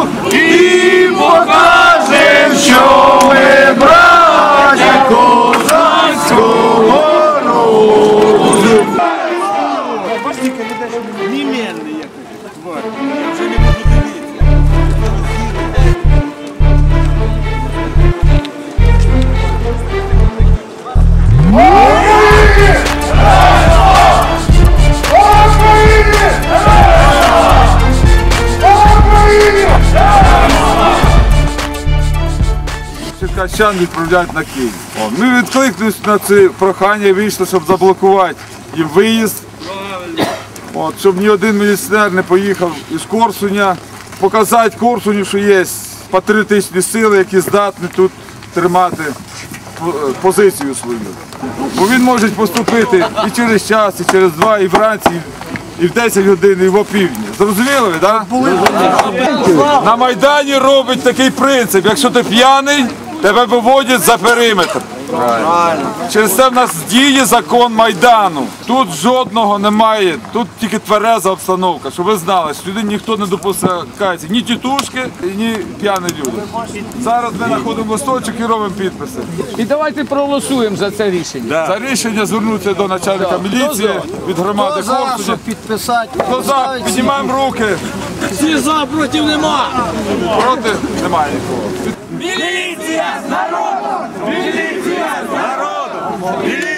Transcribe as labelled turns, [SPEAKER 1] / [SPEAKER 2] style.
[SPEAKER 1] і покажем, що ми браття козацького роду.
[SPEAKER 2] Немельний якось тварь. Я вже не можу дивитися.
[SPEAKER 3] Черкащан відправляють на Київ. Ми відкликнулися на це прохання і вийшли, щоб заблокувати їм виїзд. Щоб ні один міліціонер не поїхав із Корсуня, показати Корсуню, що є патріотичні сили, які здатні тут тримати позицію свою. Бо він може поступити і через час, і через 2, і вранці, і в 10 годин, і в опівдні. Зрозуміли ви, так? На Майдані робить такий принцип, якщо ти п'яний, тебе виводять за периметр. Через це в нас діє закон Майдану. Тут жодного немає, тут тільки твереза обстановка, щоб ви знали, що сюди ніхто не допускається, ні тітушки, ні п'яні люди. Зараз ми знаходимо листочок і робимо підписи.
[SPEAKER 4] І давайте проголосуємо за це рішення.
[SPEAKER 3] За рішення звернутися до начальника міліції від громади Корсуня. Хто за? Піднімаємо руки.
[SPEAKER 2] Всі за, проти нема.
[SPEAKER 3] Проти? Немає нікого.
[SPEAKER 1] Міліція з народу! Міліція з народу!